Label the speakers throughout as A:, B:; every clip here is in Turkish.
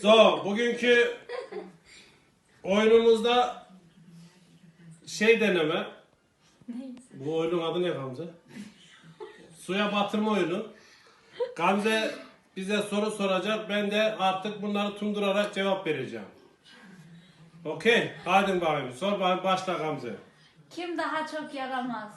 A: So, bugünkü oyunumuzda deneme. Bu oyunun adı ne Gamze? Suya batırma oyunu. Gamze bize soru soracak. Ben de artık bunları tundurarak cevap vereceğim. Okey. Hadi bakayım. Sor bakayım. Başla Gamze.
B: Kim daha çok yaramaz?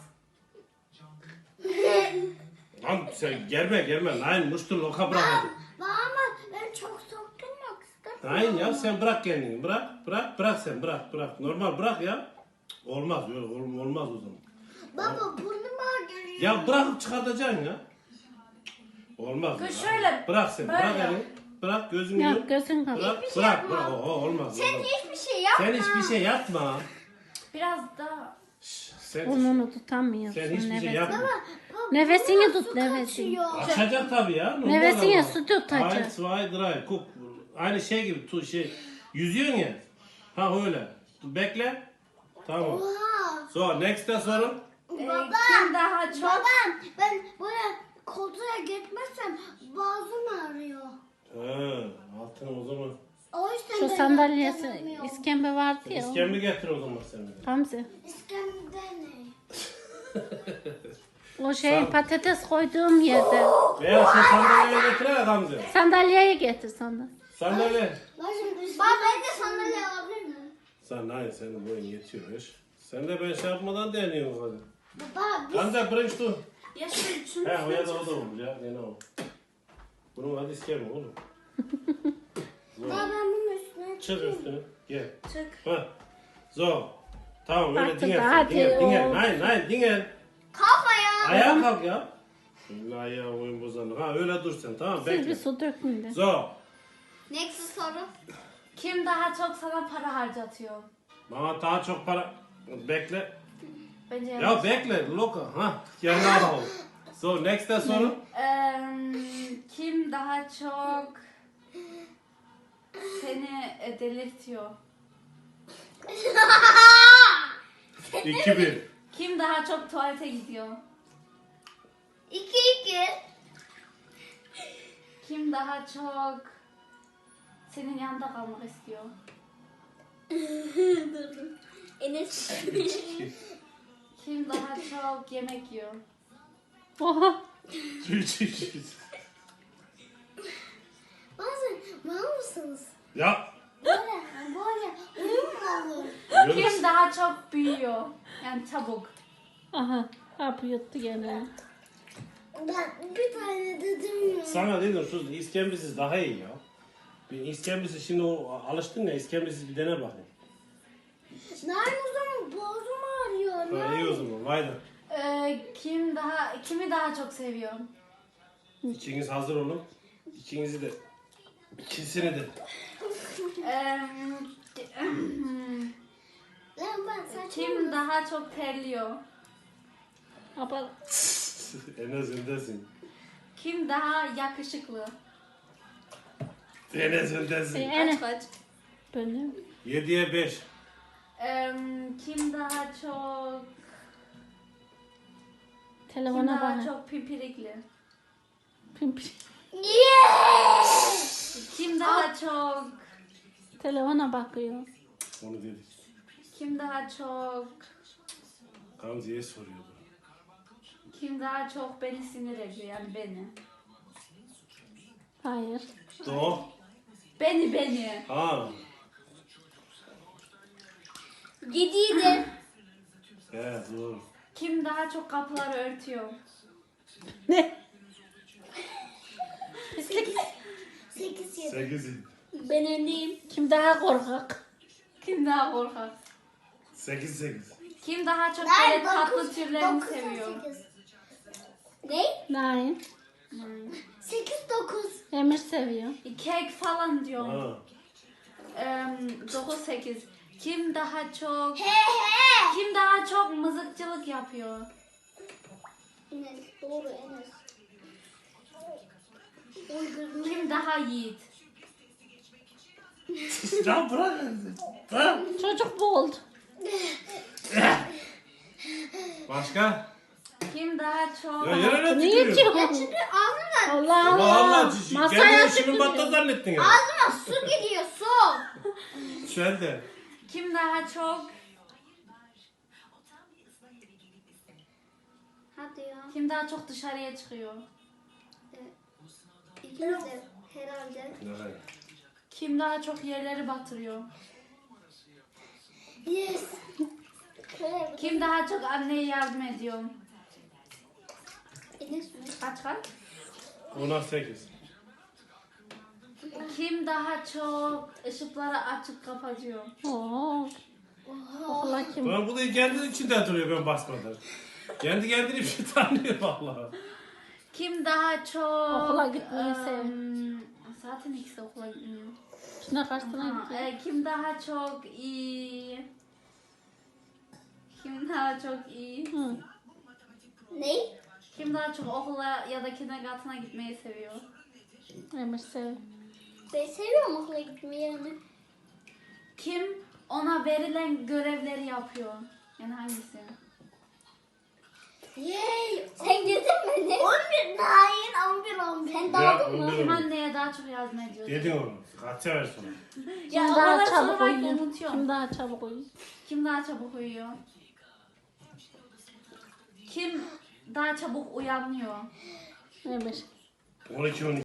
A: Lan sen gelme. Nein, musst du locker bırak.
C: Ama ben çok sokturmak istedim.
A: Nein ya sen bırak kendini. Bırak sen. Bırak. Normal bırak ya. Olmaz. Olmaz o zaman.
C: Baba burnuma geliyor.
A: Ya bırakıp çıkartacaksın ya. Olmaz.
B: Kız
A: ya.
B: şöyle,
A: Bırak sen.
B: böyle
A: Bırak
B: yap.
A: elini. Bırak gözünü
D: Yok
A: yum.
D: gözün kapalı.
A: Bırak. Olmaz.
C: Sen
A: olmaz.
C: hiçbir şey yapma.
A: Sen hiçbir şey yapma.
B: Biraz daha.
A: Sen
D: Burnunu tutamıyorsun.
A: hiçbir şey
D: nefes.
A: yapma.
C: Baba,
D: Nefesini
C: burnuma
D: tut,
C: su
D: nefesini.
C: kaçıyor.
A: Açacak tabii ya. normal
D: Nefesini
A: ama.
D: su tutacak.
A: 1, 2, 3. Guck. Aynı şey gibi yüzüyorsun ya. Ha öyle. Bekle. Tamam.
C: Oha.
A: So next'e sorun.
C: Baba.
B: Kim daha çok?
C: Babam ben böyle koltuğa gitmezsem boğazım ağrıyor.
A: Ha, altına o zaman.
C: O yüzden
D: Şu
C: ben
D: sandalyesi,
C: yatamıyorum.
D: iskembe vardı ya.
A: İskemle getir o zaman sen.
D: Gamze.
C: İskemde ne?
D: O şey patates koyduğum yerde.
A: Veya şu sandalyeyi getir ha Gamze.
D: Sandalyeyi getir sandalye.
A: Sandalye.
C: Baba ben de sandalye alabilir miyim?
A: Hayır senin boyun yetiyor iş. Sen de ben şey yapmadan deniyorsun hadi.
C: Baba
A: Gamze bırak şu.
B: Ya şunu
A: He o ya da o da olur ya. Ne o? Bunun adı iskemle oğlum.
C: baba ben bunun üstüne
A: Çık üstüne. Gel.
B: çık.
A: Ha. So. Tamam öyle
D: Artık
A: dingel.
D: hadi
A: Dingel.
D: o.
A: Nein dingel.
C: kalkma ya.
A: Ayağa kalk ya. Ayağı oyun bozanlık. Ha öyle dur sen tamam
D: Siz bir
A: bekle.
D: su dökün de.
A: So.
C: Next soru.
B: Kim daha çok sana para harcatıyor?
A: Bana daha çok para. Bekle.
B: Bence
A: Ya bekle. Loka. Ha. Yerine al. So next'e sorun.
B: Kim daha çok seni delirtiyor?
A: 2-1.
B: Kim daha çok tuvalete gidiyor?
C: 2-2.
B: Kim daha çok senin yanında kalmak istiyor?
C: Enes.
B: Kim daha çok yemek yiyor?
D: Oha.
A: 3-2.
C: Bazen mal mısınız?
A: Ya.
C: Böyle uyum mu olur?
B: Kim daha çok büyüyor? Yani çabuk.
D: Aha. Hapı yuttu gene.
C: Ben bir tane dedim ya.
A: Sana dedim şu iskembisiz daha iyi ya. Bir iskembisiz şimdi o alıştın ya iskembisiz bir dene bakayım.
C: Nerede o zaman boğazım ağrıyor.
A: Ha, iyi o zaman. Vay da.
B: Kimi daha çok seviyor?
A: İkiniz hazır olun. İkinizi de. İkisini de.
C: Lan ben saçma.
B: Kim daha çok terliyor?
D: Ama
A: En azındansın.
B: Kim daha yakışıklı?
A: En azındansın.
D: ene.
B: Kaç?
D: Benim.
A: 7'ye 5.
B: Kim daha çok kim
D: Telefona
B: daha
D: bak.
B: çok pimpirikli?
D: Pimpir.
C: Yes!
B: Kim daha çok
D: Telefona bakıyor.
A: Onu dedik.
B: kim daha çok
A: Gamze'ye soruyordu.
B: kim daha çok beni sinir ediyor yani beni?
D: Hayır.
A: Do.
B: Beni.
A: Ha.
C: 7'ydi.
A: Evet doğru.
B: Kim daha çok kapıları örtüyor?
D: Ne?
C: 8-7.
A: 8.
C: Ben öndeyim.
D: Kim daha korkak?
B: Kim daha korkak?
A: 8.
B: Kim daha çok
C: Ben
B: böyle tatlı
C: 9,
B: türlerini
C: 9,
B: seviyor?
C: 8. Ne?
D: Nein.
C: 8-9.
D: Emir seviyor.
B: Kek falan diyor.
A: Ha.
B: 9-8. Kim daha çok
C: He he.
B: kim daha çok mızıkçılık yapıyor?
C: Enes. Doğru Enes. Uydurma.
B: Kim daha yiğit?
A: Ya bırak. Ha.
D: Çocuk bu oldu.
A: Başka?
B: Kim daha çok
A: Ya yere ne
D: Niye
A: tükürüyorsun?
D: ki?
C: Çünkü ağzıma
D: Allah
A: Allah
D: Allah.
A: Allah.
D: Masaya
A: Kendini şimdi
D: tükürüyor.
A: batta zannettin ya.
C: ağzıma su gidiyor.
A: Sen de.
B: Kim daha çok
C: Hadi ya.
B: kim daha çok dışarıya çıkıyor?
C: İkimiz de herhalde.
A: Evet.
B: Kim daha çok yerleri batırıyor?
C: Yes. Şöyle
B: Kim daha çok anneye yardım ediyor?
C: Enes mi?
B: Kaç?
A: 10'a 8.
B: Kim daha çok ışıkları açıp kapatıyor?
D: Oo. Okula kim?
A: Ben bu da kendi içinde duruyor ben basmadan. Kendi kendini bir şey tanıyor valla.
B: Kim daha çok
D: Okula gitmeyi seviyor.
B: Zaten ikisi okula gitmiyor.
D: Şuna kaçtığına
B: Ha,
D: gidiyor.
B: kim daha çok iyi? Kim daha çok iyi?
D: Hı.
C: Ne?
B: Kim daha çok okula ya da kindergarten'a gitmeyi seviyor?
D: Emir sev.
C: Ben seviyorum okula gitmeyi yani.
B: Kim ona verilen görevleri yapıyor? Yani hangisi?
C: Yay! Sen girdin mi? Ne? 11. Hayır 11. Sen
A: Ya
C: dağıldın mı?
A: 11
B: Kim
A: oldu.
B: anneye daha çok yardım ediyor?
A: Dedin onu. Kaç sever sonra.
D: Kim
B: o
D: daha
B: kadar
D: çabuk
B: sormayı
D: uyuyor?
B: unutuyorum.
D: Kim daha çabuk uyuyor?
B: Kim daha çabuk uyuyor? Kim daha çabuk uyanıyor?
D: Emir.
A: 12 12.